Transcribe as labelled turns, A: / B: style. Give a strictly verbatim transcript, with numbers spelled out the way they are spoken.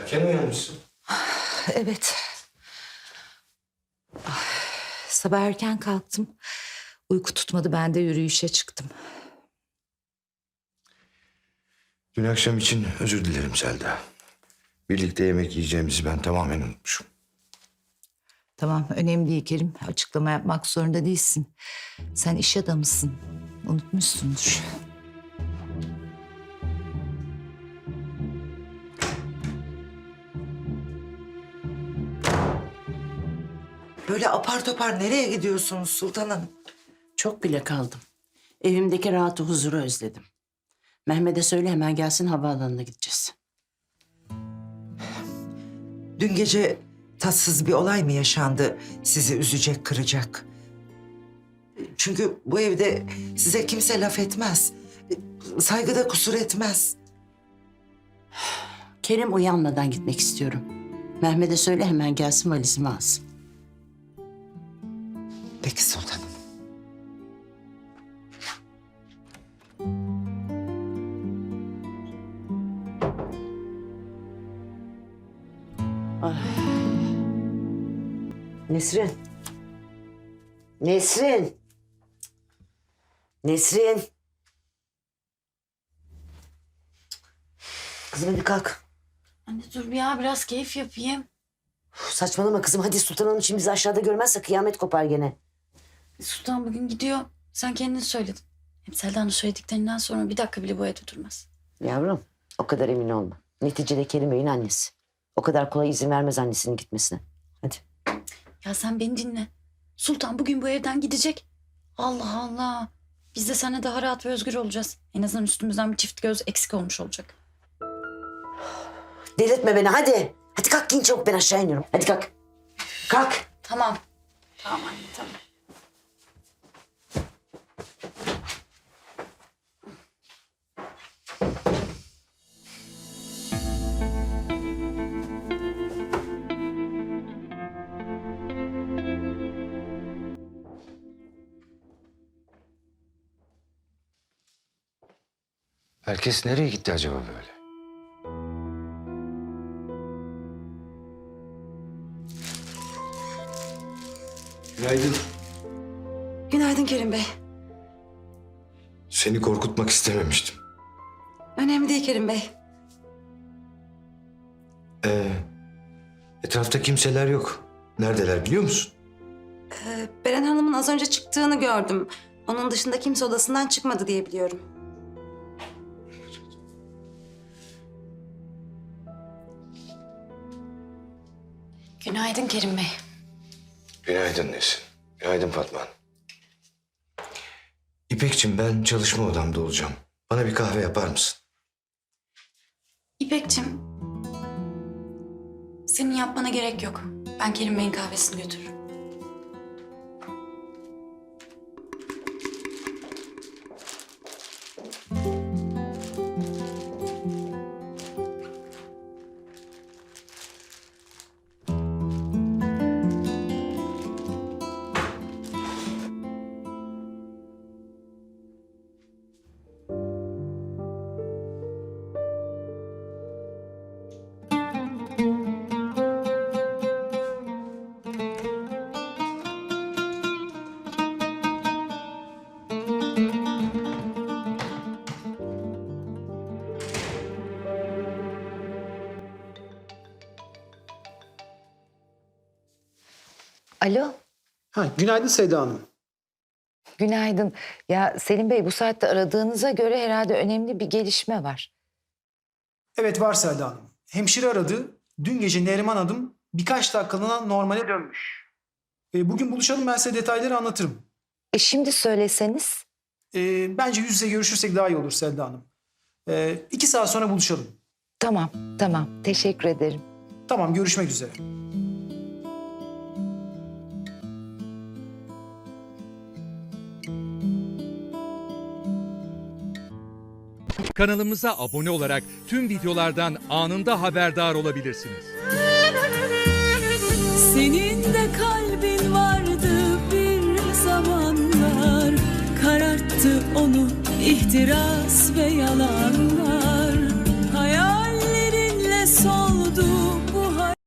A: Erken uyanmışsın.
B: Evet. Ah, sabah erken kalktım. Uyku tutmadı, ben de yürüyüşe çıktım.
A: Dün akşam için özür dilerim Selda. Birlikte yemek yiyeceğimizi ben tamamen unutmuşum.
B: Tamam, önemli değil Kerim. Açıklama yapmak zorunda değilsin. Sen iş adamısın. Unutmuşsundur.
C: Böyle apar topar nereye gidiyorsunuz Sultan Hanım?
D: Çok bile kaldım. Evimdeki rahatı, huzuru özledim. Mehmet'e söyle hemen gelsin, havaalanına gideceğiz.
C: Dün gece tatsız bir olay mı yaşandı sizi üzecek, kıracak? Çünkü bu evde size kimse laf etmez. Saygıda kusur etmez.
D: Kerim uyanmadan gitmek istiyorum. Mehmet'e söyle hemen gelsin, valizimi alsın.
C: Peki sultanım.
E: Nesrin. Nesrin. Nesrin. Kızım hadi kalk.
F: Anne dur ya, biraz keyif yapayım.
E: Uf, saçmalama kızım. Hadi Sultan Hanım şimdi bizi aşağıda görmezse kıyamet kopar gene.
F: Sultan bugün gidiyor. Sen kendin söyledin. Hem Selda'nın söylediklerinden sonra bir dakika bile bu evde durmaz.
E: Yavrum o kadar emin olma. Neticede Kerim Bey'in annesi. O kadar kolay izin vermez annesinin gitmesine. Hadi.
F: Ya sen beni dinle. Sultan bugün bu evden gidecek. Allah Allah. Biz de seninle daha rahat ve özgür olacağız. En azından üstümüzden bir çift göz eksik olmuş olacak.
E: Delirtme beni hadi. Hadi kalk giyin çabuk, ben aşağı iniyorum. Hadi kalk. Kalk.
F: Tamam. Tamam anne, tamam.
A: Herkes nereye gitti acaba böyle? Günaydın.
G: Günaydın Kerim Bey.
A: Seni korkutmak istememiştim.
G: Önemli değil Kerim Bey.
A: Ee, etrafta kimseler yok. Neredeler biliyor musun?
G: Ee, Beren Hanım'ın az önce çıktığını gördüm. Onun dışında kimse odasından çıkmadı diye biliyorum.
F: Günaydın Kerim Bey.
A: Günaydın Nesin. Günaydın Fatma Hanım. İpekçim, ben çalışma odamda olacağım. Bana bir kahve yapar mısın?
F: İpekçim. Senin yapmana gerek yok. Ben Kerim Bey'in kahvesini götürürüm.
B: Alo,
H: Ha, günaydın Seyda Hanım.
B: günaydın. Ya Selim Bey, bu saatte aradığınıza göre herhalde önemli bir gelişme var.
H: Evet var Seyda Hanım. Hemşire aradı. Dün gece Neriman Hanım birkaç dakikalığına normale dönmüş. E, bugün buluşalım, ben size detayları anlatırım.
B: E şimdi söyleseniz.
H: E, bence yüz yüze görüşürsek daha iyi olur Seyda Hanım. E, iki saat sonra buluşalım.
B: Tamam, tamam. Teşekkür ederim.
H: Tamam, görüşmek üzere.
I: Kanalımıza abone olarak tüm videolardan anında haberdar olabilirsiniz.
J: Senin de kalbin vardı bir zamanlar, kararttı onu ihtiras ve